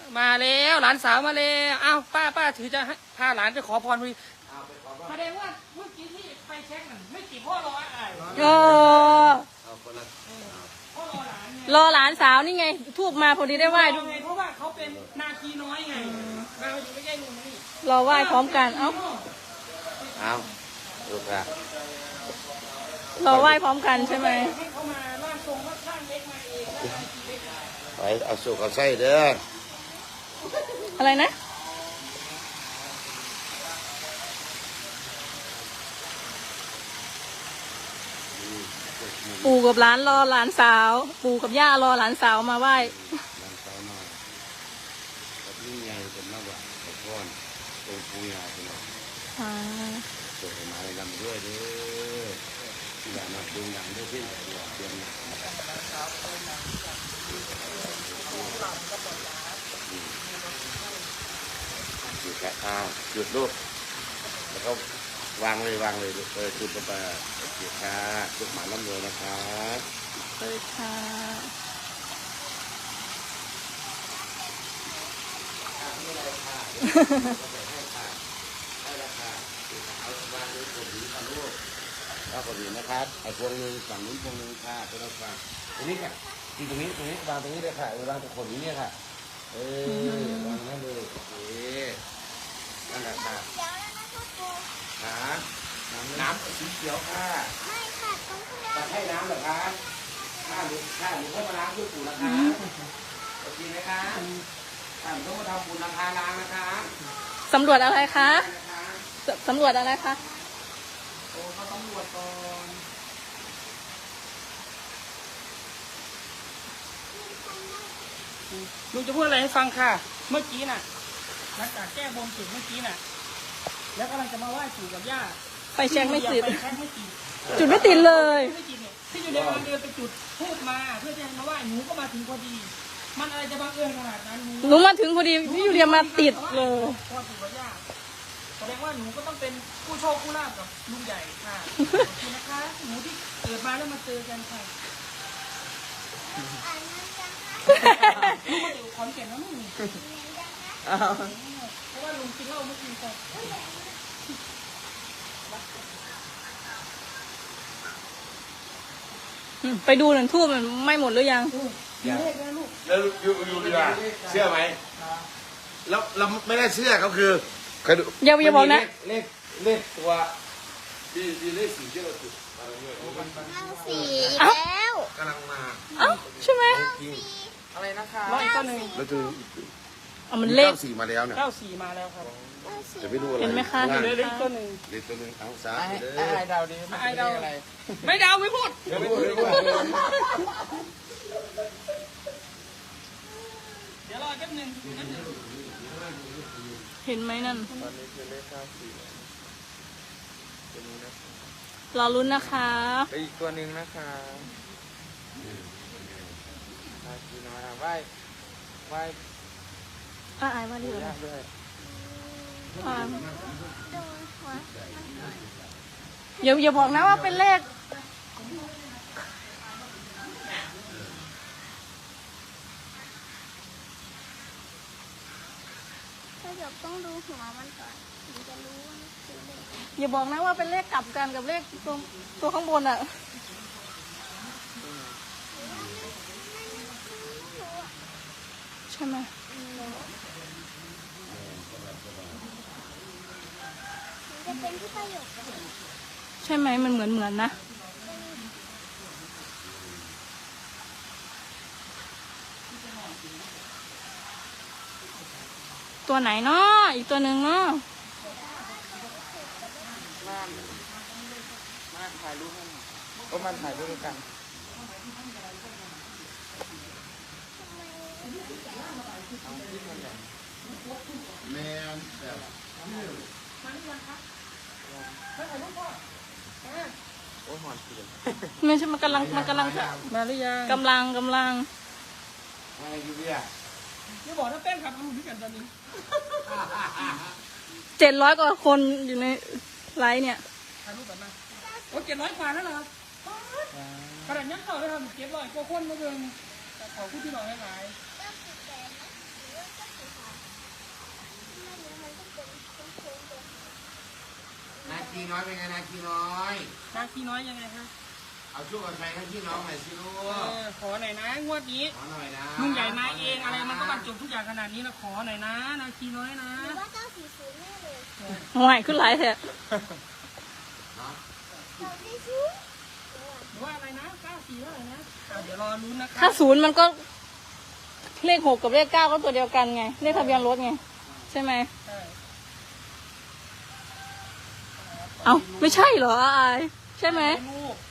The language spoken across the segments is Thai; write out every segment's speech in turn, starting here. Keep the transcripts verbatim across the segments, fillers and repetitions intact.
มาแล้วหลานสาวมาแล้วอ้าวป้าป้าถือจะพาหลานไปขอพรพอดีแสดงว่าเมื่อกี้ที่ไปเช็คนั่นไม่กี่พ่อรออะไรเออพ่อรอหลานไงรอหลานสาวนี่ไงทูบมาพอดีได้ไหว้รอไงเพราะว่าเขาเป็นนาคีน้อยไงเราอยู่ไม่ใช่ลุงนี่รอไหว้พร้อมกันเอ้าเอาลูกอะรอไหว้พร้อมกันใช่ไหมให้เขามาร่างทรงว่าช่างเล็กมาเองแล้วนาคีเล็กมาไปเอาสุกเอาไส้เด้ออะไรนะปู่กับหลานรอหลานสาว ปู่กับย่ารอหลานสาวมาไหว้หลังเช้ามากับนี่ไงเป็นมากกว่าขอพรตรงปูยาเป็นหรอกอ่าส่งมาให้ลำด้วยเด้อที่อยากมาดึงดังด้วยที่อยากเตรียมหนักหยุดครับอ้าวหยุดลูกแล้วก็วางเลยวางเลยเออจุดลงไปโอเคค่ะลูกหมาล้ำเลยนะคะเลยค่ะแล้วก็ดีนะครับไอ้พวงหนึ่งฝั่งนู้นพวงหนึ่งค่ะเป็นเราฟังตรงนี้ค่ะที่ตรงนี้ตรงนี้วางตรงนี้เลยค่ะวางตรงคนนี้เนี่ยค่ะเออวางนั่นเลยโอเคนั่นแหละค่ะขาน้ำสีเขียวค่ะไม่ค่ะต้องให้น้ำเหรอคะข้าหรือข้าหรือเข้ามาล้างด้วยปู่นะคะโอเคไหมคะข้าหรือต้องมาทำบุญราคาล้างนะคะสำรวจอะไรคะสสำรวจอะไรคะโอ้เขาต้องรวจก่อนลุงจะพูดอะไรให้ฟังค่ะ เมื่อกี้น่ะหลังจากแก้บนเสร็จเมื่อกี้น่ะแล้วกำลังจะมาไหว้ปู่กับย่าไปเช็คไม่ติดไปเช็คไม่ติดจุดไม่ติดเลยไม่ติดเนี่ยที่อยู่ในวันเดินไปจุดทูบมาเพื่อจะมาไหว้หนูก็มาถึงพอดี มันอะไรจะบังเอิญขนาดนั้นหนูมาถึงพอดีพี่ยูเรียมาติดเลยพ่อปู่กับย่าแสดงว่าหนูก็ต้องเป็นผู้โชคผู้ลาภกับลุงใหญ่ค่ะขอบคุณนะคะหนูที่เกิดมาแล้วมาเจอกันค่ะลูกมาอยู่ขอนแก่นแล้วนี่เพราะว่าลุงกินเหล้าเมื่อคืนก่อนไปดูหนึ่งทูบมันไม่หมดหรือยังมีเลขนะลูกแล้วอยู่อยู่ดีกว่าเชื่อไหมแล้วเราไม่ได้เชื่อเขาคือเคยดูอย่าอย่าบอกนะเลขเลขตัวดีดีเลขสีที่เราจุดอะไรเงี้ยสีอีกแล้วกำลังมาเอ้าใช่ไหมจริงอะไรนะคะร้อยเก้าหนึ่งแล้วคือเอามันเลขเก้าสี่มาแล้วเนี่ยเก้าสี่มาแล้วครับจะไม่รู้อะไรเห็นไหมคะข้างเห็นไหมเลขตัวหนึ่งเลขตัวหนึงเอาสาไอ้ธุไอ้เด้อไอ้ดาวดีไอ้เดาอะไรไม่เดาไม่พูดเดี๋ยวไม่พูดไม่พูดเดี๋ยวรอแป๊บหนึงเห็นไหมนั่นตอนนี้คือเลขเก้าสี่ตัวนี้นะรอลุ้นนะคะไปอีกตัวหนึ่งนะคะตาจีน้อยอ่ะไหว้ไหว้อ่ะอายมาดิปู่เหรอยากด้วยอ่าโดนหัวอย่าอย่าบอกนะว่าเป็นเลขก็เดี๋ยวต้องดูหัวมันก่อนถึงจะรู้ว่ามันคือเลขอย่าบอกนะว่าเป็นเลขกลับกันกับเลขตัวตัวข้างบนอ่ะ ใช่ไหมมันจะเป็นที่ประโยคใช่ไหมมันเหมือนเหมือนนะ ตัวไหนเนาะอีกตัวหนึ่งเนาะม่านม่านถ่ายรูปให้หน่อยก็มันถ่ายรูปด้วยกันเอาที่มันใหญ่แม่แบบโอ้ยหอนเสียงไม่ใช่มันกำลังมันกำลังมาหรือยังกำลังกำลังอะไรอยู่เนี่ยอย่าบอกนะแป้งครับรู้ด้วยกันตอนนี้เจ็ดร้อยกว่าคนอยู่ในไลฟ์เนี่ยถ่ายรูปกันมาโอ้เจ็ดร้อยกว่าแล้วเหรอครับขนาดยังเข้าได้ทำเจ็ดร้อยกว่าคนมาเบิ่งแต่ขอพูดที่หน่อยให้หลายเก้าสิบแปดนะหรือว่าเก้าสิบน้อยเป็นไงนาคีน้อยนาคีน้อยยังไงคะเอาช่วยกันไปนาคีน้องหน่อยสิลูเอก อขอหน่อยนะงวดนี้ขอหน่อยนะลุงใหญ่มาเองอะไรมันก็บรรจบทุกอย่างขนาดนี้นะขอหน่อยนะนาคีน้อยนะหรือว่าเก้าสี่ศูนย์แน่เลยห่วยขึ้นหลายแท้เนาะเก้าสี่ศูนย์หรือว่าอะไรนะเก้าสี่เท่าไหร่นะอ่ะเดี๋ยวรอลุ้นนะครัถ้าบศูนย์มันก็เลขหกกับเลขเก้าก็ตัวเดียวกันไง เลขทะเบียนรถไง ใช่ไหมใช่เอ้าไม่ใช่เหรออายใช่ไหมลูก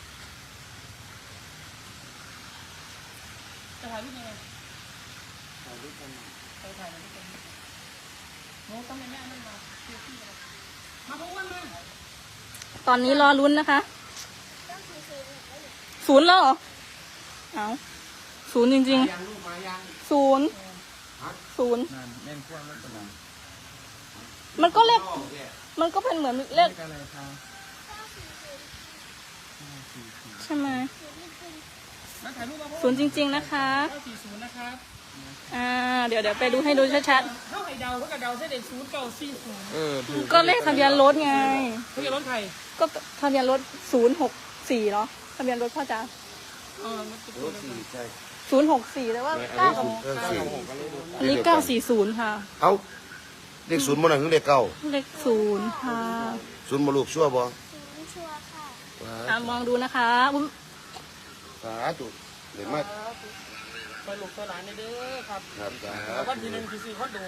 จะถ่ายรูปยังไงถ่ายรูปกันหน่อยไปถ่ายรูปกันโน้ตต้องแม่แม่นั่นมาเชื่อพี่เลยมาพบกันมาตอนนี้รอลุ้นนะคะเก้าสี่ศูนย์เนี่ยแล้วอยู่ศูนย์แล้วเหรอ เอาศูนย์จริงยังลูกมายังๆ ศูนย์ ศูนย์นั่นแม่นพวกนั้นเป็นอะไรมันก็เลขโอเคมันก็เป็นเหมือนเลขเลขอะไรคะเก้าสี่ศูนย์ห้าสี่สี่ใช่ไหมศูนย์นี่คือมาถ่ายรูปมาพบศูนย์จริง ๆนะคะเก้าสี่ศูนย์นะครับอ่า เดี๋ยวเดี๋ยวไปดูให้ดูชัดเท่าไหร่เดาเท่ากับเดาเส้นเด็กศูนย์เก้าสี่ศูนย์เออถูกๆ ก็เลขทะเบียนรถไงเขาจะรถใครก็ทะเบียนรถศูนย์หกสี่เนาะทะเบียนรถพ่อจ๋าเออมันเป็นรถสี่ใช่ศูนย์หกสี่แต่ว่าเก้ากับเออสี่อันนี้เก้าสี่ศูนย์ค่ะเอาเลขศูนย์มันอะไรคือเลขเก้าเลขศูนย์ค่ะศูนย์มาลูกชั่วบ่ศูนย์ชัวร์ค่ะอ่ามองดูนะคะอุ๊ยสาธุเดี๋ยวมาไปหลบตัวหลานในเด้อครับครับสาแล้ววันธุที่หนึ่งคือสี่คอนโด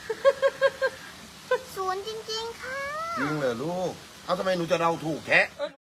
ศูนย์จริงๆค่ะจริงเหรอลูก เอาทำไมหนูจะเดาถูกแท้เออ